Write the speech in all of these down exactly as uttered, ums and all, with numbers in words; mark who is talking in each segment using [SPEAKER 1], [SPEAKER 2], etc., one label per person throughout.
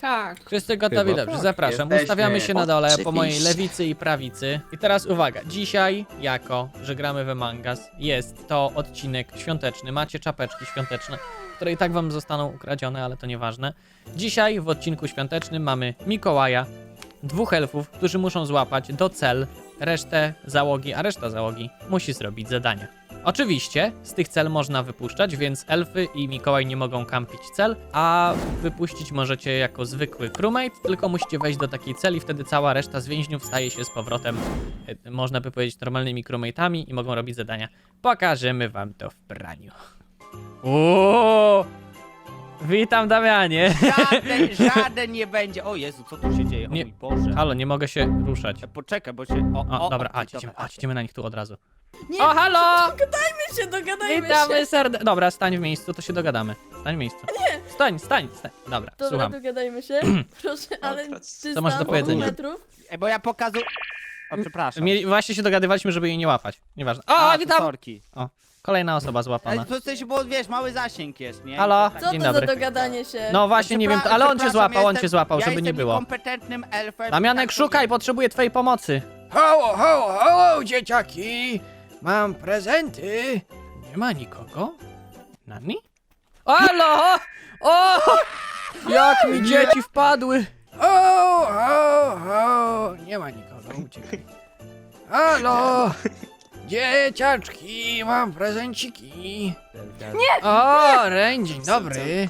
[SPEAKER 1] Tak.
[SPEAKER 2] Wszyscy gotowi?
[SPEAKER 3] Chyba
[SPEAKER 2] Dobrze,
[SPEAKER 3] tak.
[SPEAKER 2] zapraszam.
[SPEAKER 4] Jesteśmy.
[SPEAKER 2] Ustawiamy się na dole po mojej
[SPEAKER 1] Oczywiście.
[SPEAKER 2] lewicy i prawicy. I teraz uwaga, dzisiaj, jako że gramy w Among Us, jest to odcinek świąteczny. Macie czapeczki świąteczne, które i tak wam zostaną ukradzione, ale to nieważne. Dzisiaj w odcinku świątecznym mamy Mikołaja, dwóch elfów, którzy muszą złapać do cel resztę załogi, a reszta załogi musi zrobić zadania. Oczywiście z tych cel można wypuszczać, więc elfy i Mikołaj nie mogą kampić cel, a wypuścić możecie jako zwykły crewmate, tylko musicie wejść do takiej celi, wtedy cała reszta z więźniów staje się z powrotem, e, można by powiedzieć, normalnymi crewmate'ami i mogą robić zadania. Pokażemy wam to w praniu. Uuu! Witam, Damianie.
[SPEAKER 5] Żaden, żaden nie będzie. O Jezu, co tu się dzieje? O
[SPEAKER 2] Nie.
[SPEAKER 5] mój Boże.
[SPEAKER 2] Halo, nie mogę się ruszać.
[SPEAKER 5] E, Poczekaj, bo się... O,
[SPEAKER 2] O,
[SPEAKER 5] o,
[SPEAKER 2] dobra,
[SPEAKER 5] o,
[SPEAKER 2] chodź, idziemy, chodź, idziemy na nich tu od razu.
[SPEAKER 1] Nie,
[SPEAKER 2] O, halo!
[SPEAKER 1] dogadajmy się, dogadajmy
[SPEAKER 2] Witamy
[SPEAKER 1] się.
[SPEAKER 2] serdecznie. Dobra, stań w miejscu, to się dogadamy. Stań w miejscu. Nie! Stań, stań, stań. Dobra,
[SPEAKER 1] Dobra,
[SPEAKER 2] słucham.
[SPEAKER 1] dogadajmy się. Proszę, ale
[SPEAKER 2] Co masz do powiedzenia?
[SPEAKER 1] metrów?
[SPEAKER 5] E, bo ja pokazuję... O, przepraszam.
[SPEAKER 2] Mieli, właśnie się dogadywaliśmy, żeby jej nie łapać. Nieważne. O,
[SPEAKER 5] A,
[SPEAKER 2] witam!
[SPEAKER 5] sorki.
[SPEAKER 2] Kolejna osoba
[SPEAKER 5] Ale
[SPEAKER 2] złapana.
[SPEAKER 5] to w sensie, bo wiesz, mały zasięg jest, nie?
[SPEAKER 2] Halo?
[SPEAKER 5] Tak.
[SPEAKER 1] Co
[SPEAKER 2] Dzień
[SPEAKER 1] to
[SPEAKER 2] dobry.
[SPEAKER 1] za dogadanie się?
[SPEAKER 2] No właśnie, nie wiem, to, ale on cię
[SPEAKER 5] Przepraszam,
[SPEAKER 2] złapał, on
[SPEAKER 5] jestem-
[SPEAKER 2] cię złapał,
[SPEAKER 5] ja
[SPEAKER 2] żeby nie
[SPEAKER 5] jestem
[SPEAKER 2] było.
[SPEAKER 5] kompetentnym elfem.
[SPEAKER 2] Damianek,
[SPEAKER 5] tak
[SPEAKER 2] szukaj,
[SPEAKER 5] powiem.
[SPEAKER 2] potrzebuję twojej pomocy. Ho, ho, ho, dzieciaki! Mam prezenty. Nie ma nikogo? Nani? Halo! O! Jak mi dzieci wpadły! O, ho, ho! Nie ma nikogo, uciekaj. Halo! Dzieciaczki, mam prezenciki. Nie! O, Ren, dzień dobry.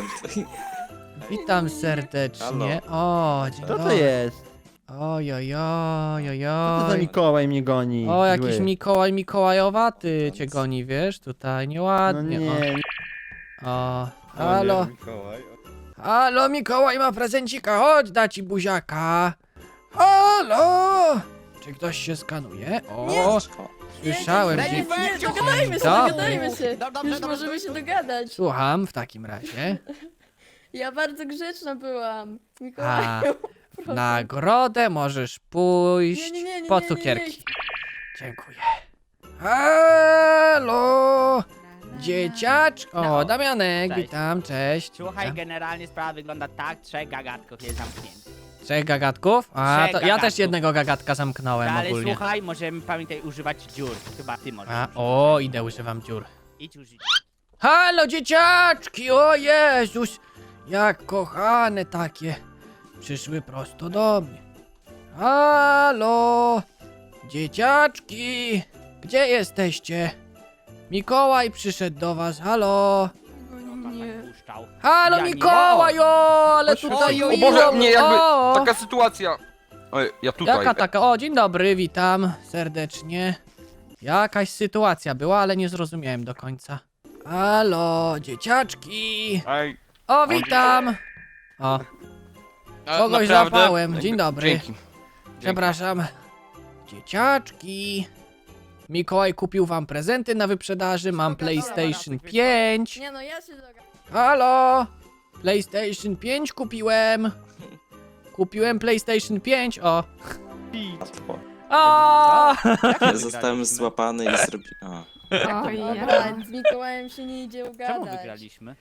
[SPEAKER 2] Witam serdecznie. O, dzień
[SPEAKER 3] Co to
[SPEAKER 2] dobry.
[SPEAKER 3] jest?
[SPEAKER 2] Oj, oj, oj, oj,
[SPEAKER 3] Co to za
[SPEAKER 2] oj.
[SPEAKER 3] Mikołaj mnie goni?
[SPEAKER 2] O, jakiś
[SPEAKER 3] Zły.
[SPEAKER 2] Mikołaj Mikołajowaty cię goni, wiesz? Tutaj
[SPEAKER 3] No
[SPEAKER 2] nieładnie.
[SPEAKER 3] nie,
[SPEAKER 2] O, o. Halo. Halo, Mikołaj ma prezencika, chodź, da ci buziaka. Halo! Czy ktoś się skanuje? O, słyszałem.
[SPEAKER 1] Nie,
[SPEAKER 2] Dzie-
[SPEAKER 1] nie, nie, dogadajmy się,
[SPEAKER 2] Dobry.
[SPEAKER 1] dogadajmy się.
[SPEAKER 5] Dobrze, dobrze,
[SPEAKER 1] Już
[SPEAKER 5] dobrze,
[SPEAKER 1] możemy się
[SPEAKER 5] dobrze.
[SPEAKER 1] dogadać.
[SPEAKER 2] Słucham w takim razie.
[SPEAKER 1] Ja bardzo grzeczna byłam.
[SPEAKER 2] A,
[SPEAKER 1] Mikołaju,
[SPEAKER 2] w
[SPEAKER 1] proszę.
[SPEAKER 2] nagrodę możesz pójść
[SPEAKER 1] Nie, nie, nie, nie,
[SPEAKER 2] po
[SPEAKER 1] nie,
[SPEAKER 2] cukierki.
[SPEAKER 1] nie, nie.
[SPEAKER 2] Dziękuję. Halo! Dzieciacz. O,
[SPEAKER 5] No.
[SPEAKER 2] Damianek,
[SPEAKER 5] Cześć.
[SPEAKER 2] witam, cześć.
[SPEAKER 5] Słuchaj,
[SPEAKER 2] Witam.
[SPEAKER 5] generalnie sprawa wygląda tak, trzech gagatków jest zamkniętych.
[SPEAKER 2] Trzech gagatków? A,
[SPEAKER 5] Trzech
[SPEAKER 2] to ja
[SPEAKER 5] gagatków.
[SPEAKER 2] też jednego gagatka zamknąłem
[SPEAKER 5] Ale
[SPEAKER 2] ogólnie.
[SPEAKER 5] słuchaj, możemy pamiętaj używać dziur. Chyba ty możesz.
[SPEAKER 2] A,
[SPEAKER 5] używać.
[SPEAKER 2] o, idę, używam dziur.
[SPEAKER 5] Idź użyć.
[SPEAKER 2] Halo, dzieciaczki, o Jezus! Jak kochane takie. Przyszły prosto do mnie. Halo! Dzieciaczki! Gdzie jesteście? Mikołaj przyszedł do was, halo!
[SPEAKER 1] Nie.
[SPEAKER 5] Puszczał.
[SPEAKER 2] Halo,
[SPEAKER 5] Ja nie-
[SPEAKER 2] Mikołaj, o, ale
[SPEAKER 5] Chodź,
[SPEAKER 2] tutaj...
[SPEAKER 5] oj,
[SPEAKER 6] O Boże, nie, jakby
[SPEAKER 2] o,
[SPEAKER 6] taka sytuacja. Oj, ja tutaj.
[SPEAKER 2] Jaka taka? O, dzień dobry, witam serdecznie. Jakaś sytuacja była, ale nie zrozumiałem do końca. Halo, dzieciaczki!
[SPEAKER 6] Ej,
[SPEAKER 2] O, witam! O,
[SPEAKER 6] a,
[SPEAKER 2] kogoś
[SPEAKER 6] naprawdę?
[SPEAKER 2] złapałem,
[SPEAKER 6] Jakby-
[SPEAKER 2] dzień dobry.
[SPEAKER 6] Dzięki.
[SPEAKER 2] Przepraszam. Dzieciaczki. Mikołaj kupił wam prezenty na wyprzedaży, mam PlayStation pięć.
[SPEAKER 1] Nie no, ja się dogadam.
[SPEAKER 2] Halo! PlayStation pięć kupiłem. Kupiłem PlayStation pięć, o. O!
[SPEAKER 5] Jak
[SPEAKER 7] Zostałem złapany i zrobiłem.
[SPEAKER 1] Oj, ja. Z Mikołajem się nie idzie
[SPEAKER 5] Czemu
[SPEAKER 1] ugadać.
[SPEAKER 5] wygraliśmy?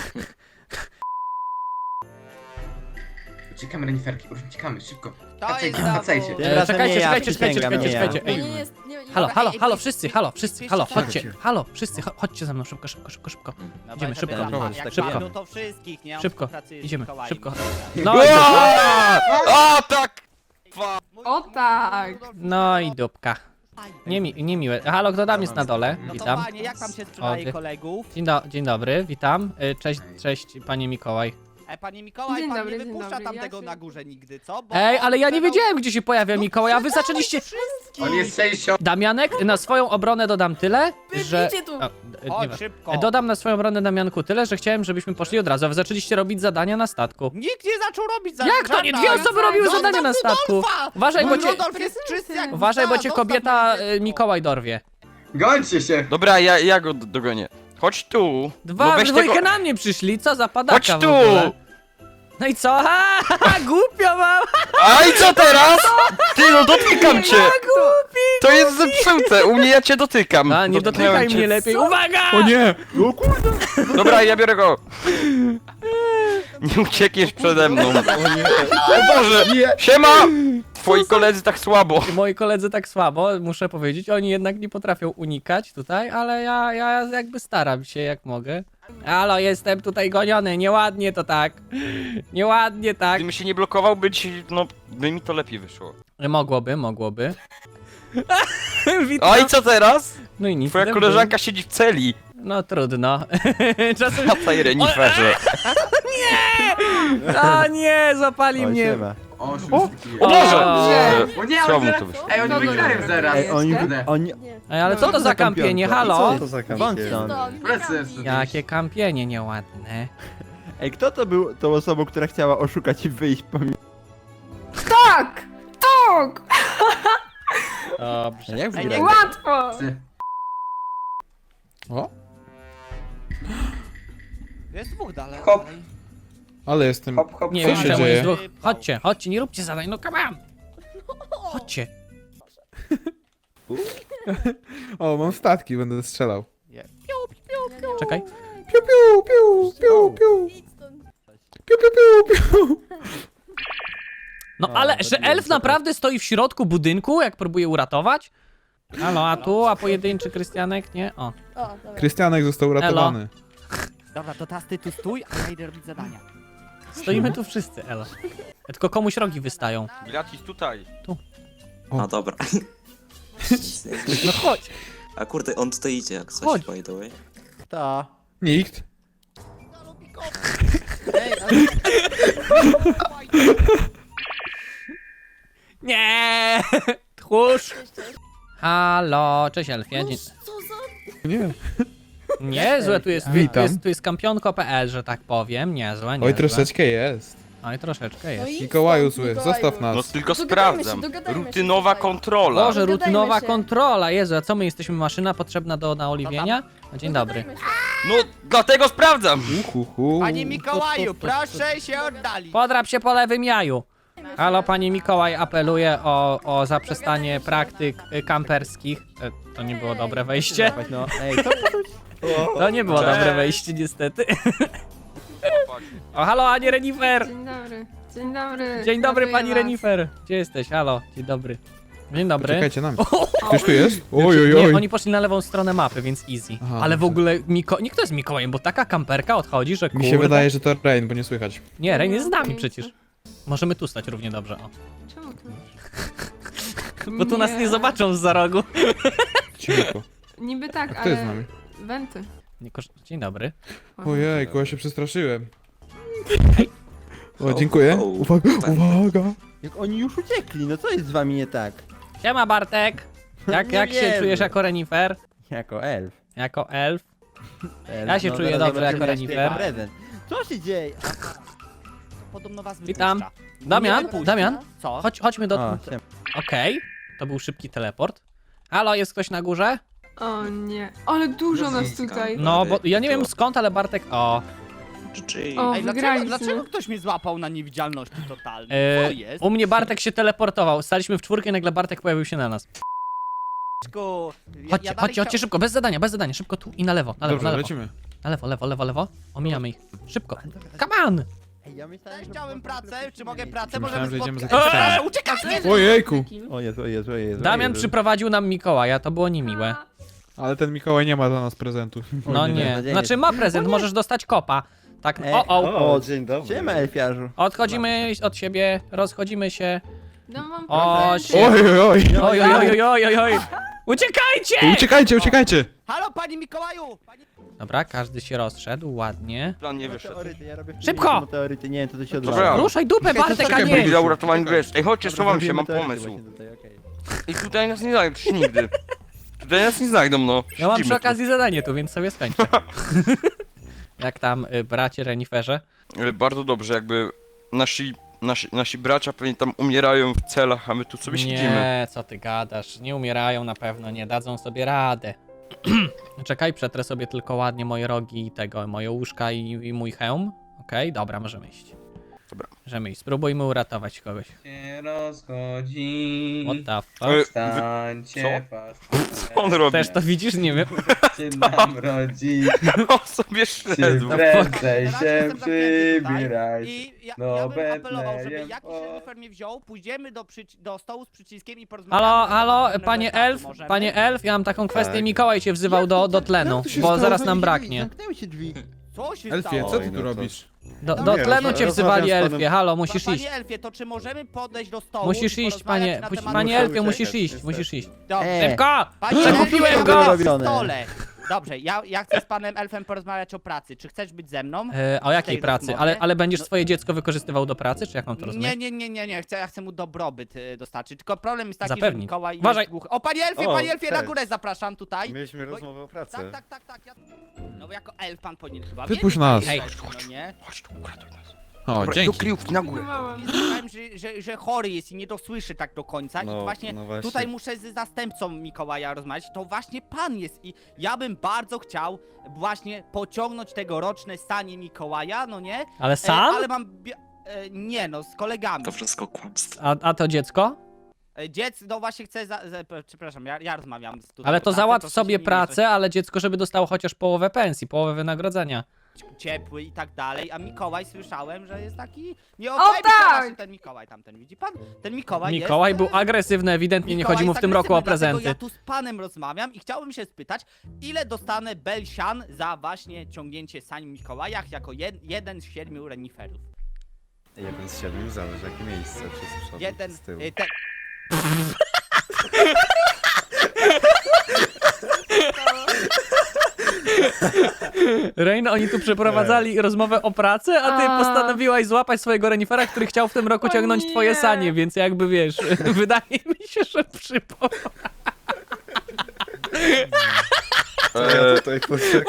[SPEAKER 4] Uciekamy, reniferki, uciekamy, szybko.
[SPEAKER 5] To
[SPEAKER 4] Wracajcie,
[SPEAKER 5] jest
[SPEAKER 4] wracajcie.
[SPEAKER 5] zawód.
[SPEAKER 2] E, czekajcie,
[SPEAKER 3] nie ja,
[SPEAKER 2] czekajcie, czekajcie,
[SPEAKER 3] przysięgam,
[SPEAKER 2] czekajcie,
[SPEAKER 3] nie ja.
[SPEAKER 2] czekajcie.
[SPEAKER 1] To
[SPEAKER 2] Ej,
[SPEAKER 1] nie jest... Nie,
[SPEAKER 2] halo,
[SPEAKER 5] Dobra,
[SPEAKER 2] halo,
[SPEAKER 5] ej,
[SPEAKER 2] halo,
[SPEAKER 5] ej,
[SPEAKER 2] wszyscy,
[SPEAKER 5] ej,
[SPEAKER 2] halo,
[SPEAKER 5] ej,
[SPEAKER 2] wszyscy,
[SPEAKER 5] ej,
[SPEAKER 2] halo,
[SPEAKER 5] ej,
[SPEAKER 2] chodźcie,
[SPEAKER 3] ej,
[SPEAKER 2] halo, wszyscy, cho- chodźcie za mną, szybko, szybko, szybko, szybko.
[SPEAKER 5] No
[SPEAKER 2] Idziemy,
[SPEAKER 5] bo
[SPEAKER 2] szybko.
[SPEAKER 5] jak
[SPEAKER 3] Prowadź,
[SPEAKER 5] jak
[SPEAKER 3] tak
[SPEAKER 2] szybko.
[SPEAKER 5] padną, to wszystkich, nie? On
[SPEAKER 2] Szybko,
[SPEAKER 5] pracuje z
[SPEAKER 2] idziemy,
[SPEAKER 5] Mikołajem.
[SPEAKER 2] szybko. No,
[SPEAKER 6] A, a, tak!
[SPEAKER 1] O tak!
[SPEAKER 2] no i dupka. Niemi, niemiłe. Halo, kto tam jest na dole?
[SPEAKER 5] No to
[SPEAKER 2] Witam.
[SPEAKER 5] panie, jak tam się
[SPEAKER 2] O,
[SPEAKER 5] sprzedaje
[SPEAKER 2] ty-
[SPEAKER 5] kolegów?
[SPEAKER 2] Dzień, do, dzień dobry, witam. Y, Cześć, cześć, panie Mikołaj.
[SPEAKER 5] E, panie Mikołaj,
[SPEAKER 1] Dzień
[SPEAKER 5] pan
[SPEAKER 1] dobry,
[SPEAKER 5] nie
[SPEAKER 1] dzień
[SPEAKER 5] wypuszcza
[SPEAKER 1] dobry,
[SPEAKER 5] tamtego
[SPEAKER 1] ja się-
[SPEAKER 5] na górze nigdy, co? Bo
[SPEAKER 2] Ej,
[SPEAKER 5] on
[SPEAKER 2] ale ja nie
[SPEAKER 5] sprzedał-
[SPEAKER 2] wiedziałem, gdzie się pojawia
[SPEAKER 5] No
[SPEAKER 2] Mikołaj, a wy
[SPEAKER 5] sprzedałeś
[SPEAKER 2] zaczęliście...
[SPEAKER 5] wszystkich!
[SPEAKER 4] On jest sześcio...
[SPEAKER 2] Damianek, na swoją obronę dodam tyle, że...
[SPEAKER 1] Idźcie tu!
[SPEAKER 2] O, d-
[SPEAKER 5] Chodź,
[SPEAKER 2] nie
[SPEAKER 5] szybko!
[SPEAKER 2] E, Dodam na swoją obronę, Damianku, tyle, że chciałem, żebyśmy poszli od razu, a wy zaczęliście robić zadania na statku.
[SPEAKER 5] Nikt nie zaczął robić za
[SPEAKER 2] Jak to nie? Dwie osoby robiły
[SPEAKER 5] Zostaw
[SPEAKER 2] zadania na statku!
[SPEAKER 5] Rudolfa!
[SPEAKER 2] Uważaj, bo cię...
[SPEAKER 5] Rudolf jest czysty jak
[SPEAKER 2] Uważaj, bo
[SPEAKER 5] łza,
[SPEAKER 2] cię
[SPEAKER 5] zostaw
[SPEAKER 2] kobieta
[SPEAKER 5] moje
[SPEAKER 2] y,
[SPEAKER 5] dziecko.
[SPEAKER 2] Mikołaj dorwie.
[SPEAKER 4] Gońcie się!
[SPEAKER 6] Dobra, ja, ja go d- dogonię. Chodź tu.
[SPEAKER 2] Dwa,
[SPEAKER 6] No
[SPEAKER 2] w
[SPEAKER 6] weź
[SPEAKER 2] dwójkę
[SPEAKER 6] tego...
[SPEAKER 2] na mnie przyszli, co za padaka
[SPEAKER 6] Chodź
[SPEAKER 2] w
[SPEAKER 6] tu!
[SPEAKER 2] ogóle. No i co? Ha, ha, ha, głupio mam!
[SPEAKER 6] A i co teraz? Ty, no dotykam cię!
[SPEAKER 2] Głupi!
[SPEAKER 6] To jest zepsute, u mnie ja cię dotykam.
[SPEAKER 2] A, nie
[SPEAKER 6] Dotknąłem
[SPEAKER 2] dotykaj
[SPEAKER 6] cię.
[SPEAKER 2] mnie lepiej, uwaga!
[SPEAKER 3] O nie!
[SPEAKER 6] Dobra, ja biorę go. Nie uciekniesz przede mną. O Boże! Siema! Twoi koledzy tak słabo.
[SPEAKER 2] Moi koledzy tak słabo, muszę powiedzieć, oni jednak nie potrafią unikać tutaj, ale ja, ja jakby staram się jak mogę. Halo, jestem tutaj goniony, nieładnie to tak. Nieładnie tak.
[SPEAKER 6] Gdybym się nie blokował, by ci, no, by mi to lepiej wyszło.
[SPEAKER 2] Mogłoby, mogłoby. Witam.
[SPEAKER 6] A i co teraz?
[SPEAKER 2] No i nic.
[SPEAKER 6] Twoja
[SPEAKER 2] nie
[SPEAKER 6] koleżanka siedzi w celi.
[SPEAKER 2] No trudno. Czasem...
[SPEAKER 6] Wracaj, reniferze.
[SPEAKER 2] O nie, zapali mnie.
[SPEAKER 4] O,
[SPEAKER 2] O!
[SPEAKER 4] o,
[SPEAKER 6] O Boże!
[SPEAKER 1] Nie.
[SPEAKER 4] o nie,
[SPEAKER 6] Co
[SPEAKER 4] oni
[SPEAKER 6] mu
[SPEAKER 4] zaraz...
[SPEAKER 6] to wyszło?
[SPEAKER 4] Ej, oni
[SPEAKER 1] No, no,
[SPEAKER 4] wygrają
[SPEAKER 1] no,
[SPEAKER 4] zaraz.
[SPEAKER 1] Ej, oni-
[SPEAKER 4] Kurde.
[SPEAKER 5] Oni...
[SPEAKER 1] Nie.
[SPEAKER 2] Ej, ale co to za kampienie, halo?
[SPEAKER 5] to za
[SPEAKER 1] Idźcie stąd,
[SPEAKER 4] Plecy
[SPEAKER 1] wygramy.
[SPEAKER 4] jest
[SPEAKER 2] Jakie kampienie nieładne.
[SPEAKER 3] Ej, kto to był tą osobą, która chciała oszukać i wyjść po mnie?
[SPEAKER 1] Tak! Tak!
[SPEAKER 2] Dobrze.
[SPEAKER 3] Jak
[SPEAKER 5] Ej,
[SPEAKER 3] wygrać?
[SPEAKER 5] nie-
[SPEAKER 1] Łatwo!
[SPEAKER 8] O,
[SPEAKER 5] Jest dwóch dalej.
[SPEAKER 4] Hop.
[SPEAKER 5] dalej.
[SPEAKER 8] ale jestem...
[SPEAKER 4] Hop, hop,
[SPEAKER 2] Nie
[SPEAKER 8] Co
[SPEAKER 2] wiem,
[SPEAKER 8] się
[SPEAKER 2] czemu
[SPEAKER 8] dzieje?
[SPEAKER 2] jest dwóch. Chodźcie, chodźcie, nie róbcie zadań, no come on. Chodźcie.
[SPEAKER 8] O, mam statki, będę strzelał.
[SPEAKER 2] Czekaj.
[SPEAKER 8] Piu, piu, piu, piu, piu,
[SPEAKER 1] Idź stąd.
[SPEAKER 8] piu, piu, piu, piu.
[SPEAKER 2] No
[SPEAKER 3] A,
[SPEAKER 2] ale,
[SPEAKER 3] to
[SPEAKER 2] że
[SPEAKER 3] nie
[SPEAKER 2] elf
[SPEAKER 3] wiem, co
[SPEAKER 2] naprawdę stoi w środku budynku, jak próbuje uratować? Halo, a tu, a pojedynczy Krystianek, nie? O.
[SPEAKER 1] O, dobra.
[SPEAKER 8] Krystianek został uratowany.
[SPEAKER 5] Dobra, to teraz ty tu stój, a ja idę robić zadania.
[SPEAKER 2] Stoimy tu wszyscy, elo. Tylko komuś rogi wystają.
[SPEAKER 6] Gratis tutaj.
[SPEAKER 7] A dobra.
[SPEAKER 2] No chodź.
[SPEAKER 7] A kurde, on tutaj idzie jak coś,
[SPEAKER 2] Chodź.
[SPEAKER 7] by the way.
[SPEAKER 3] To.
[SPEAKER 8] Nikt.
[SPEAKER 5] Ej, ale...
[SPEAKER 2] Nie! Tchórz!
[SPEAKER 1] Cześć, cześć.
[SPEAKER 2] Halo, cześć elfie. Dzień...
[SPEAKER 1] Co za...
[SPEAKER 8] Nie.
[SPEAKER 2] Niezłe, tu jest, tu
[SPEAKER 8] Witam.
[SPEAKER 2] jest, tu jest kampionko kropka p l, że tak powiem. Niezłe, niezłe.
[SPEAKER 8] Oj, troszeczkę jest.
[SPEAKER 2] Oj, troszeczkę
[SPEAKER 1] No
[SPEAKER 2] jest.
[SPEAKER 1] i
[SPEAKER 8] Mikołaju
[SPEAKER 1] stąd,
[SPEAKER 8] zły,
[SPEAKER 1] Mikołaju.
[SPEAKER 8] zostaw nas.
[SPEAKER 6] No tylko
[SPEAKER 1] Dogadajmy się,
[SPEAKER 6] sprawdzam.
[SPEAKER 1] dogadajmy się
[SPEAKER 6] Rutynowa
[SPEAKER 1] tutaj.
[SPEAKER 6] kontrola.
[SPEAKER 2] Boże,
[SPEAKER 1] Dogadajmy
[SPEAKER 2] rutynowa
[SPEAKER 1] się.
[SPEAKER 2] kontrola, Jezu, a co my jesteśmy, maszyna potrzebna do naoliwienia? No, dzień dobry.
[SPEAKER 1] Dogadajmy się.
[SPEAKER 6] No, dlatego sprawdzam.
[SPEAKER 8] Uhuhu.
[SPEAKER 5] Panie Mikołaju, proszę się oddalić.
[SPEAKER 2] Podrap się po lewym jaju. Halo, panie Mikołaj apeluje o, o zaprzestanie praktyk y, kamperskich. E, to nie było dobre wejście.
[SPEAKER 3] No, ej, to...
[SPEAKER 2] To nie było
[SPEAKER 6] Cześć.
[SPEAKER 2] dobre wejście, niestety. O, halo, Anie Renifer!
[SPEAKER 1] Dzień dobry. Dzień dobry.
[SPEAKER 2] Dzień dobry,
[SPEAKER 1] Ratuję
[SPEAKER 2] pani
[SPEAKER 1] was.
[SPEAKER 2] Renifer. Gdzie jesteś? Halo, dzień dobry. Dzień dobry.
[SPEAKER 8] Czekajcie na mnie. Ktoś tu jest? Oj, oj,
[SPEAKER 2] Nie,
[SPEAKER 8] oj.
[SPEAKER 2] oni poszli na lewą stronę mapy, więc easy.
[SPEAKER 8] Aha,
[SPEAKER 2] Ale w
[SPEAKER 8] dobrze.
[SPEAKER 2] ogóle Miko... nie kto jest Mikołajem, bo taka kamperka odchodzi, że kurde...
[SPEAKER 8] Mi się wydaje, że to Rain, bo nie słychać.
[SPEAKER 2] Nie, Rain jest z nami przecież. Możemy tu stać równie dobrze, o.
[SPEAKER 1] Czemu tu?
[SPEAKER 2] Bo tu nas nie zobaczą z za rogu.
[SPEAKER 8] Cicho.
[SPEAKER 1] Niby tak,
[SPEAKER 8] A kto
[SPEAKER 1] ale...
[SPEAKER 2] E,
[SPEAKER 8] jest z nami?
[SPEAKER 1] Wenty.
[SPEAKER 2] Nie kosz... Dzień dobry.
[SPEAKER 8] Ojejku, ja się przestraszyłem. O, dziękuję.
[SPEAKER 7] O, o,
[SPEAKER 8] Uwaga,
[SPEAKER 7] tak.
[SPEAKER 8] uwaga.
[SPEAKER 3] Jak oni już uciekli, no co jest z wami nie tak?
[SPEAKER 2] Siema Bartek! Jak,
[SPEAKER 3] Nie
[SPEAKER 2] jak się
[SPEAKER 3] wiemy.
[SPEAKER 2] czujesz jako renifer?
[SPEAKER 3] Jako elf.
[SPEAKER 2] Jako elf?
[SPEAKER 3] elf.
[SPEAKER 2] Ja się czuję
[SPEAKER 3] zaraz
[SPEAKER 2] dobrze jako
[SPEAKER 3] zobaczymy, jaki
[SPEAKER 2] renifer.
[SPEAKER 3] prezent. Co się dzieje?
[SPEAKER 5] Podobno was
[SPEAKER 2] Witam.
[SPEAKER 5] wypuszcza.
[SPEAKER 2] Damian,
[SPEAKER 5] wypuszcza.
[SPEAKER 2] Damian,
[SPEAKER 5] Co?
[SPEAKER 2] chodź, chodźmy do...
[SPEAKER 3] O,
[SPEAKER 2] Okej,
[SPEAKER 3] siema.
[SPEAKER 2] to był szybki teleport. Halo, jest ktoś na górze?
[SPEAKER 1] O nie, ale dużo nas tutaj.
[SPEAKER 2] No, bo ja nie wiem skąd, ale Bartek... O,
[SPEAKER 7] G G.
[SPEAKER 1] O,
[SPEAKER 5] Ej, dlaczego,
[SPEAKER 1] wygraliśmy.
[SPEAKER 5] dlaczego ktoś mnie złapał na niewidzialności totalnej?
[SPEAKER 2] e,
[SPEAKER 5] Co jest?
[SPEAKER 2] u mnie Bartek się teleportował. Staliśmy w czwórkę i nagle Bartek pojawił się na nas.
[SPEAKER 5] Ku, ja-
[SPEAKER 2] Chodźcie,
[SPEAKER 5] ja dalej
[SPEAKER 2] chodźcie, chodźcie
[SPEAKER 5] chciał-
[SPEAKER 2] szybko, bez zadania, bez zadania, szybko tu i na lewo, na lewo,
[SPEAKER 8] Dobrze,
[SPEAKER 2] na lewo.
[SPEAKER 8] lecimy.
[SPEAKER 2] Na lewo, lewo, lewo, lewo. Omijamy ich. Szybko. Come on!
[SPEAKER 3] Ej, ja myślałem,
[SPEAKER 5] Cześć,
[SPEAKER 3] że-
[SPEAKER 5] chciałem pracę, czy mogę pracę?
[SPEAKER 8] Myślałem, że
[SPEAKER 5] Możemy
[SPEAKER 8] idziemy
[SPEAKER 5] spotkać.
[SPEAKER 8] za
[SPEAKER 5] Eee,
[SPEAKER 8] Krzysztofem.
[SPEAKER 5] Uciekaj! Nie!
[SPEAKER 8] Ojejku.
[SPEAKER 3] O Jezu, o Jezu, o Jezu.
[SPEAKER 2] Damian
[SPEAKER 3] o Jezu.
[SPEAKER 2] przyprowadził nam Mikołaja, to było niemiłe.
[SPEAKER 8] Ale ten Mikołaj nie ma dla nas prezentu.
[SPEAKER 2] No
[SPEAKER 3] nie,
[SPEAKER 2] nie,
[SPEAKER 3] beznadziejnie.
[SPEAKER 2] znaczy ma prezent, możesz dostać kopa. Tak,
[SPEAKER 3] Ej,
[SPEAKER 2] o, o.
[SPEAKER 3] O, dzień dobry. Siema, elfiarzu.
[SPEAKER 2] Odchodzimy od siebie, rozchodzimy się.
[SPEAKER 1] No mam
[SPEAKER 2] O,
[SPEAKER 1] prezenty.
[SPEAKER 2] się-
[SPEAKER 8] Oj, oj, oj.
[SPEAKER 2] Oj, oj, oj, oj, oj, oj. Uciekajcie!
[SPEAKER 8] Uciekajcie, uciekajcie.
[SPEAKER 5] Halo, panie Mikołaju! Panie...
[SPEAKER 2] Dobra, każdy się rozszedł, ładnie.
[SPEAKER 6] Plan nie wyszedł.
[SPEAKER 3] Meteoryty, ja robię
[SPEAKER 2] Szybko!
[SPEAKER 3] Meteoryty, nie wiem, to to się
[SPEAKER 6] Dobra.
[SPEAKER 3] odwala.
[SPEAKER 2] Ruszaj dupę, Bartek, a
[SPEAKER 3] czekaj,
[SPEAKER 2] nie!
[SPEAKER 6] Dla uratowania wiesz. Ej, chodźcie,
[SPEAKER 3] Dobra,
[SPEAKER 6] schowam się,
[SPEAKER 3] zrobimy
[SPEAKER 6] mam
[SPEAKER 3] meteoryty
[SPEAKER 6] pomysł.
[SPEAKER 3] właśnie tutaj, okej.
[SPEAKER 6] I tutaj nas nie znajdą, przecież nigdy. Tutaj nas nie znajdą, no.
[SPEAKER 2] Ja mam przy
[SPEAKER 6] Siedzimy tu.
[SPEAKER 2] okazji zadanie tu, więc sobie skończę. Jak tam, y, bracie reniferze?
[SPEAKER 6] Ale bardzo dobrze, jakby nasi, nasi, nasi bracia pewnie tam umierają w celach, a my tu sobie siedzimy.
[SPEAKER 2] Nie, co ty gadasz, nie umierają na pewno, nie dadzą sobie radę. Czekaj, przetrę sobie tylko ładnie moje rogi i tego, moje łóżka i, i mój hełm. Okej, dobra, możemy iść.
[SPEAKER 6] Dobra.
[SPEAKER 2] Możemy iść, spróbujmy uratować kogoś.
[SPEAKER 4] Się rozchodzi.
[SPEAKER 2] What the
[SPEAKER 6] E,
[SPEAKER 2] fuck?
[SPEAKER 6] wy-
[SPEAKER 4] Wstańcie,
[SPEAKER 6] Co on robi?
[SPEAKER 2] Też to widzisz? Nie wiem.
[SPEAKER 4] się nam rodzi.
[SPEAKER 6] On sobie szedł.
[SPEAKER 4] Prędzej
[SPEAKER 5] Teraz
[SPEAKER 4] się
[SPEAKER 5] jestem zamknięty tutaj
[SPEAKER 4] przybieraj.
[SPEAKER 5] I ja,
[SPEAKER 4] No,
[SPEAKER 5] ja bym apelował, żeby
[SPEAKER 4] Betlejem,
[SPEAKER 5] jakiś
[SPEAKER 4] o.
[SPEAKER 5] renifer mnie wziął, pójdziemy do, przyci- do stołu z przyciskiem i porozmawiamy.
[SPEAKER 2] Halo,
[SPEAKER 5] na
[SPEAKER 2] halo,
[SPEAKER 5] temat
[SPEAKER 2] panie
[SPEAKER 5] etatu,
[SPEAKER 2] elf,
[SPEAKER 5] możemy?
[SPEAKER 2] panie elf, ja mam taką kwestię,
[SPEAKER 3] Tak.
[SPEAKER 2] Mikołaj cię wzywał do, do tlenu,
[SPEAKER 3] Jak to się
[SPEAKER 2] bo
[SPEAKER 3] stało?
[SPEAKER 2] zaraz nam
[SPEAKER 3] Zamknęły
[SPEAKER 2] braknie.
[SPEAKER 3] Zamknęły się drzwi.
[SPEAKER 5] Co się
[SPEAKER 8] Elfie,
[SPEAKER 5] stało?
[SPEAKER 8] co ty
[SPEAKER 3] Oj, no
[SPEAKER 8] tu
[SPEAKER 3] to-
[SPEAKER 8] robisz?
[SPEAKER 2] Do,
[SPEAKER 5] No
[SPEAKER 2] do
[SPEAKER 5] nie,
[SPEAKER 2] tlenu
[SPEAKER 3] rozma-
[SPEAKER 2] cię wzywali
[SPEAKER 3] rozmawiam z panem-
[SPEAKER 2] elfie, halo, musisz
[SPEAKER 5] Panie
[SPEAKER 2] iść.
[SPEAKER 5] Elfie, to czy możemy podejść do stołu
[SPEAKER 2] Musisz
[SPEAKER 5] i
[SPEAKER 2] iść,
[SPEAKER 5] porozmawiać
[SPEAKER 2] panie,
[SPEAKER 5] na
[SPEAKER 2] puść-
[SPEAKER 5] temat
[SPEAKER 2] panie
[SPEAKER 5] etatu?
[SPEAKER 2] elfie, musisz
[SPEAKER 3] uciekać,
[SPEAKER 2] iść,
[SPEAKER 3] niestety.
[SPEAKER 2] musisz iść.
[SPEAKER 5] Dobrze.
[SPEAKER 3] E,
[SPEAKER 2] Szybko!
[SPEAKER 5] Panie
[SPEAKER 2] Przekupiłem
[SPEAKER 5] Elfie,
[SPEAKER 2] go!
[SPEAKER 5] na
[SPEAKER 3] robione.
[SPEAKER 5] stole. Dobrze, ja, ja chcę z panem elfem porozmawiać o pracy. Czy chcesz być ze mną?
[SPEAKER 2] E, a o jakiej
[SPEAKER 5] tej
[SPEAKER 2] pracy?
[SPEAKER 5] rozmowie?
[SPEAKER 2] Ale, ale będziesz
[SPEAKER 5] No-
[SPEAKER 2] swoje dziecko wykorzystywał do pracy, czy jak mam to
[SPEAKER 5] Nie,
[SPEAKER 2] rozumieć?
[SPEAKER 5] nie, nie, nie, nie, chcę, ja chcę mu dobrobyt y, dostarczyć. Tylko problem jest taki,
[SPEAKER 2] Zapewnić.
[SPEAKER 5] że Mikołaj
[SPEAKER 2] Uważaj.
[SPEAKER 5] jest głuchy. O, panie Elfie,
[SPEAKER 3] O,
[SPEAKER 5] panie Elfie, na
[SPEAKER 3] cześć.
[SPEAKER 5] górę zapraszam tutaj.
[SPEAKER 3] Mieliśmy
[SPEAKER 5] Bo-
[SPEAKER 3] rozmowę o pracy.
[SPEAKER 5] Tak, tak, tak, tak. Ja... No bo jako elf pan powinien chyba
[SPEAKER 8] Wypuść
[SPEAKER 5] wiedzieć,
[SPEAKER 8] nas.
[SPEAKER 5] jak
[SPEAKER 2] Hej.
[SPEAKER 5] jest, no nie?
[SPEAKER 6] Chodź tu, uratuj nas.
[SPEAKER 8] O,
[SPEAKER 6] Dobra, do
[SPEAKER 8] dzięki.
[SPEAKER 6] kryjówki na górę.
[SPEAKER 1] Próbowałam.
[SPEAKER 5] Słyszałem, że, że, że chory jest i nie dosłyszy tak do końca. I
[SPEAKER 3] No,
[SPEAKER 5] właśnie,
[SPEAKER 3] no właśnie.
[SPEAKER 5] tutaj muszę z zastępcą Mikołaja rozmawiać. To właśnie pan jest i ja bym bardzo chciał właśnie pociągnąć tegoroczne stanie Mikołaja, no nie?
[SPEAKER 2] Ale
[SPEAKER 5] E,
[SPEAKER 2] sam?
[SPEAKER 5] ale mam... bia- E, nie no, z kolegami.
[SPEAKER 7] To wszystko kłamstwo.
[SPEAKER 2] A, a to dziecko?
[SPEAKER 5] E, Dziec, no właśnie chcę, za, za, przepraszam, ja, ja rozmawiam z tutaj
[SPEAKER 2] Ale
[SPEAKER 5] o
[SPEAKER 2] to
[SPEAKER 5] pracy,
[SPEAKER 2] załatw
[SPEAKER 5] proszę
[SPEAKER 2] sobie
[SPEAKER 5] się nie
[SPEAKER 2] pracę, ale dziecko, żeby dostało chociaż połowę pensji, połowę wynagrodzenia.
[SPEAKER 5] mieszać, ciepły i tak dalej, a Mikołaj słyszałem, że jest taki... Nie
[SPEAKER 1] O,
[SPEAKER 5] okej,
[SPEAKER 1] tak!
[SPEAKER 5] ten Mikołaj tamten, widzi pan? Ten Mikołaj
[SPEAKER 2] Mikołaj
[SPEAKER 5] jest...
[SPEAKER 2] był
[SPEAKER 5] e,
[SPEAKER 2] agresywny, ewidentnie nie
[SPEAKER 5] Mikołaj
[SPEAKER 2] chodzi mu w
[SPEAKER 5] jest
[SPEAKER 2] tym roku o
[SPEAKER 5] agresywny, dlatego
[SPEAKER 2] prezenty.
[SPEAKER 5] Ja tu z panem rozmawiam i chciałbym się spytać, ile dostanę Belsian za właśnie ciągnięcie sań Mikołajach jako jed, jeden z siedmiu reniferów?
[SPEAKER 3] Jeden z siedmiu, zależy jakie miejsce, czy z przodu,
[SPEAKER 5] Jeden...
[SPEAKER 3] z tyłu.
[SPEAKER 5] y, Ten...
[SPEAKER 2] Reina, oni tu przeprowadzali rozmowę o pracy, a ty
[SPEAKER 1] A.
[SPEAKER 2] postanowiłaś złapać swojego renifera, który chciał w tym roku
[SPEAKER 1] O
[SPEAKER 2] ciągnąć
[SPEAKER 1] nie.
[SPEAKER 2] twoje sanie, więc jakby wiesz, wydaje mi się, że przypo...
[SPEAKER 6] Eee,
[SPEAKER 3] tutaj poczekam.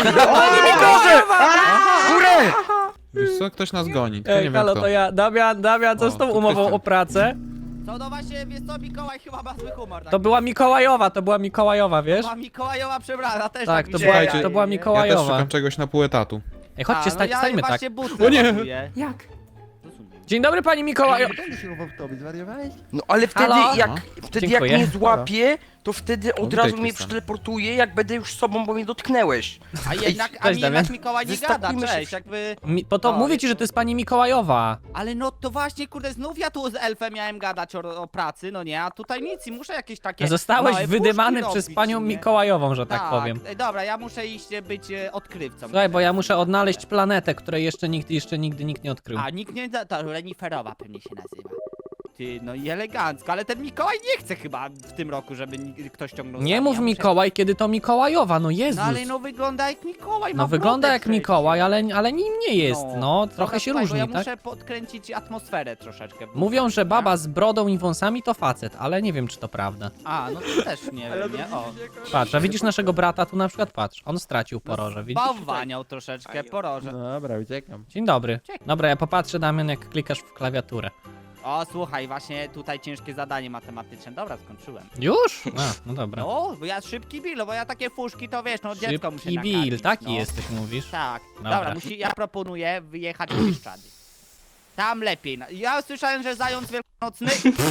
[SPEAKER 2] Górę!
[SPEAKER 8] Wiesz co, ktoś nas goni, tylko nie
[SPEAKER 2] Ej,
[SPEAKER 8] wiem
[SPEAKER 2] halo,
[SPEAKER 8] kto.
[SPEAKER 2] to ja, Damian, Damian, co
[SPEAKER 8] O,
[SPEAKER 2] z tą
[SPEAKER 8] to
[SPEAKER 2] umową
[SPEAKER 8] kwestia.
[SPEAKER 2] o pracę?
[SPEAKER 5] Co no właśnie, wiesz co, Mikołaj chyba ma zły humor.
[SPEAKER 2] To
[SPEAKER 5] taki.
[SPEAKER 2] była Mikołajowa, to była Mikołajowa, wiesz?
[SPEAKER 5] Ma Mikołajowa przebrana, też
[SPEAKER 2] Tak,
[SPEAKER 5] tak
[SPEAKER 2] to
[SPEAKER 5] mi
[SPEAKER 2] była,
[SPEAKER 5] się
[SPEAKER 8] Słuchajcie,
[SPEAKER 2] to była
[SPEAKER 8] Ja też
[SPEAKER 2] Mikołajowa.
[SPEAKER 8] szukam czegoś na pół etatu.
[SPEAKER 2] Ej, chodźcie,
[SPEAKER 5] A,
[SPEAKER 2] sta
[SPEAKER 5] no ja
[SPEAKER 2] stańmy tak.
[SPEAKER 5] właśnie butle
[SPEAKER 8] O nie!
[SPEAKER 5] ładuję.
[SPEAKER 1] Jak?
[SPEAKER 2] Dzień dobry, pani Mikołaj.
[SPEAKER 3] Będę się chował w tobie, zwariowałeś?
[SPEAKER 6] No ale wtedy
[SPEAKER 2] Halo?
[SPEAKER 6] jak,
[SPEAKER 8] No.
[SPEAKER 6] wtedy
[SPEAKER 2] Dziękuję.
[SPEAKER 6] jak mnie złapie, to wtedy od
[SPEAKER 8] witaj,
[SPEAKER 6] razu mnie
[SPEAKER 8] Krystian.
[SPEAKER 6] przeteleportuje, jak będę już sobą, bo mnie dotknęłeś.
[SPEAKER 5] A jednak, a
[SPEAKER 2] Cześć,
[SPEAKER 5] mi
[SPEAKER 2] Damian.
[SPEAKER 5] jednak Mikołaj nie gada,
[SPEAKER 6] Wystawimy się
[SPEAKER 5] cześć,
[SPEAKER 6] w-
[SPEAKER 5] jakby...
[SPEAKER 2] Mi, po to
[SPEAKER 5] No,
[SPEAKER 2] mówię
[SPEAKER 5] jest
[SPEAKER 2] ci, że
[SPEAKER 5] to-
[SPEAKER 2] to jest pani Mikołajowa.
[SPEAKER 5] Ale no to właśnie, kurde, znów ja tu z elfem miałem gadać o, o pracy, no nie, a tutaj nic i muszę jakieś takie
[SPEAKER 2] Zostałeś
[SPEAKER 5] małe
[SPEAKER 2] wydymany
[SPEAKER 5] puszki
[SPEAKER 2] przez
[SPEAKER 5] robić,
[SPEAKER 2] panią
[SPEAKER 5] nie?
[SPEAKER 2] Mikołajową, że tak, powiem.
[SPEAKER 5] e, Dobra, ja muszę iść e, być e, odkrywcą.
[SPEAKER 2] Słuchaj, bo ja muszę odnaleźć planetę, której jeszcze nikt, jeszcze nigdy nikt nie odkrył.
[SPEAKER 5] A, nikt nie... da- To reniferowa pewnie się nazywa. Ty, no i elegancko, ale ten Mikołaj nie chce chyba w tym roku, żeby ni- ktoś ciągnął
[SPEAKER 2] Nie
[SPEAKER 5] za
[SPEAKER 2] mów
[SPEAKER 5] mnie. Ja muszę-
[SPEAKER 2] Mikołaj, kiedy to Mikołajowa, no Jezus.
[SPEAKER 5] No ale no wygląda jak Mikołaj, ma
[SPEAKER 2] No wygląda
[SPEAKER 5] brodę
[SPEAKER 2] jak
[SPEAKER 5] przecież.
[SPEAKER 2] Mikołaj, ale, ale nim nie jest, no. Trochę
[SPEAKER 5] Dobra,
[SPEAKER 2] się
[SPEAKER 5] słuchaj, bo
[SPEAKER 2] różni,
[SPEAKER 5] ja
[SPEAKER 2] tak?
[SPEAKER 5] muszę podkręcić atmosferę troszeczkę.
[SPEAKER 2] Mówią, że baba z brodą i wąsami to facet, ale nie wiem, czy to prawda.
[SPEAKER 5] A, no to też nie wiem, nie? O.
[SPEAKER 2] Patrz, a widzisz naszego brata tu na przykład, patrz, on stracił poroże, widzisz?
[SPEAKER 5] Bałwaniał troszeczkę, poroże.
[SPEAKER 3] Dobra, uciekam.
[SPEAKER 2] Dzień dobry.
[SPEAKER 5] Czekaj.
[SPEAKER 2] Dobra, ja popatrzę, Damian, jak klikasz w klawiaturę.
[SPEAKER 5] O, słuchaj, właśnie tutaj ciężkie zadanie matematyczne. Dobra, skończyłem.
[SPEAKER 2] Już? A, no dobra.
[SPEAKER 5] No, bo ja szybki Bill, bo ja takie fuszki to wiesz, no dziecko muszę
[SPEAKER 2] Szybki
[SPEAKER 5] nakarmić,
[SPEAKER 2] Bill, taki
[SPEAKER 5] no.
[SPEAKER 2] jesteś, mówisz?
[SPEAKER 5] Tak.
[SPEAKER 2] Dobra.
[SPEAKER 5] Dobra, musi, ja proponuję wyjechać w Bieszczady. Tam lepiej. no. Ja słyszałem, że zając wielkanocny...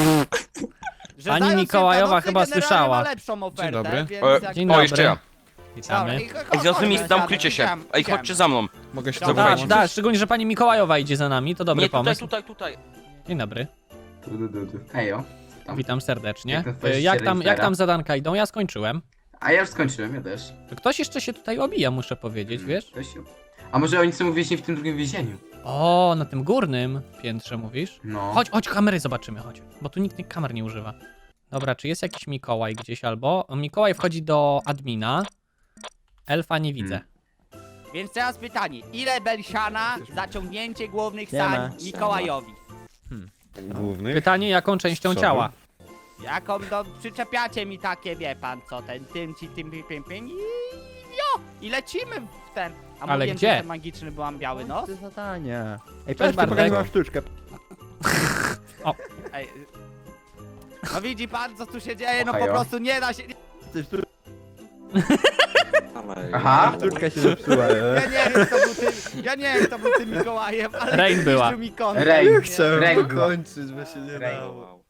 [SPEAKER 5] że
[SPEAKER 2] Pani
[SPEAKER 5] zając
[SPEAKER 2] Mikołajowa
[SPEAKER 5] wielkanocny
[SPEAKER 2] chyba
[SPEAKER 5] generalnie
[SPEAKER 2] słyszała.
[SPEAKER 5] ma lepszą ofertę,
[SPEAKER 8] dobry.
[SPEAKER 5] więc
[SPEAKER 6] E,
[SPEAKER 5] jak...
[SPEAKER 2] Dzień
[SPEAKER 6] O,
[SPEAKER 2] dobry.
[SPEAKER 6] jeszcze ja.
[SPEAKER 2] Witamy.
[SPEAKER 5] i-
[SPEAKER 6] Ej, zrozumie,
[SPEAKER 5] chodź,
[SPEAKER 6] tam
[SPEAKER 5] chodź,
[SPEAKER 6] krycie się.
[SPEAKER 5] idziemy,
[SPEAKER 6] Ej,
[SPEAKER 5] idziemy.
[SPEAKER 6] chodźcie za mną.
[SPEAKER 8] Mogę się
[SPEAKER 5] Dobra,
[SPEAKER 2] Da,
[SPEAKER 8] zobaczyć?
[SPEAKER 2] da, szczególnie, że pani Mikołajowa idzie za nami, to dobry
[SPEAKER 6] Nie, tutaj,
[SPEAKER 2] pomysł.
[SPEAKER 6] tutaj, tutaj.
[SPEAKER 2] Dzień dobry,
[SPEAKER 4] Du, du, du, du. Hejo. Tam.
[SPEAKER 2] witam serdecznie.
[SPEAKER 4] Jak to
[SPEAKER 2] E,
[SPEAKER 4] twoje
[SPEAKER 2] Jak
[SPEAKER 4] się
[SPEAKER 2] tam, jak
[SPEAKER 4] renifera?
[SPEAKER 2] tam zadanka idą? Ja skończyłem.
[SPEAKER 4] A ja już skończyłem, ja też.
[SPEAKER 2] To ktoś jeszcze się tutaj obija, muszę powiedzieć, wiesz?
[SPEAKER 4] Ktoś się- A może oni są uwięźni w tym drugim więzieniu?
[SPEAKER 2] O, na tym górnym piętrze mówisz?
[SPEAKER 4] No.
[SPEAKER 2] Chodź, chodź, kamery zobaczymy, chodź. Bo tu nikt nie- kamer nie używa. Dobra, czy jest jakiś Mikołaj gdzieś albo? Mikołaj wchodzi do admina. Elfa nie widzę.
[SPEAKER 4] Hmm.
[SPEAKER 5] Więc teraz pytanie, ile Belsiana za ciągnięcie głównych
[SPEAKER 3] Nie ma.
[SPEAKER 5] sań Mikołajowi?
[SPEAKER 3] Główny.
[SPEAKER 2] Pytanie, jaką częścią
[SPEAKER 3] Przodu.
[SPEAKER 2] ciała?
[SPEAKER 5] Jaką do... przyczepiacie mi takie, wie pan co, ten tym ci tym pim pim pim i... jo! I lecimy w ten... A
[SPEAKER 2] Ale
[SPEAKER 5] mówiłem,
[SPEAKER 2] gdzie?
[SPEAKER 5] że jestem magiczny, byłam biały nos?
[SPEAKER 3] To zadanie. Ej,
[SPEAKER 2] Cześć,
[SPEAKER 3] patrz,
[SPEAKER 2] Bartek.
[SPEAKER 3] pokazałam sztuczkę.
[SPEAKER 5] Ej, no widzi pan, co tu się dzieje, no po
[SPEAKER 4] Ohajo.
[SPEAKER 5] prostu nie da się...
[SPEAKER 3] Coś tu
[SPEAKER 7] Ale...
[SPEAKER 4] Aha.
[SPEAKER 3] sztuczka się zepsuła.
[SPEAKER 5] Ja nie wiem, co był ty... Ja nie wiem, kto był tym Mikołajem, ale
[SPEAKER 2] Rain była.
[SPEAKER 5] zniszczył mi kontent,
[SPEAKER 2] Rain.
[SPEAKER 5] nie?
[SPEAKER 9] Chciałem
[SPEAKER 4] Ręko.
[SPEAKER 9] dokończyć, bo się nie
[SPEAKER 4] Ręko.
[SPEAKER 9] dało.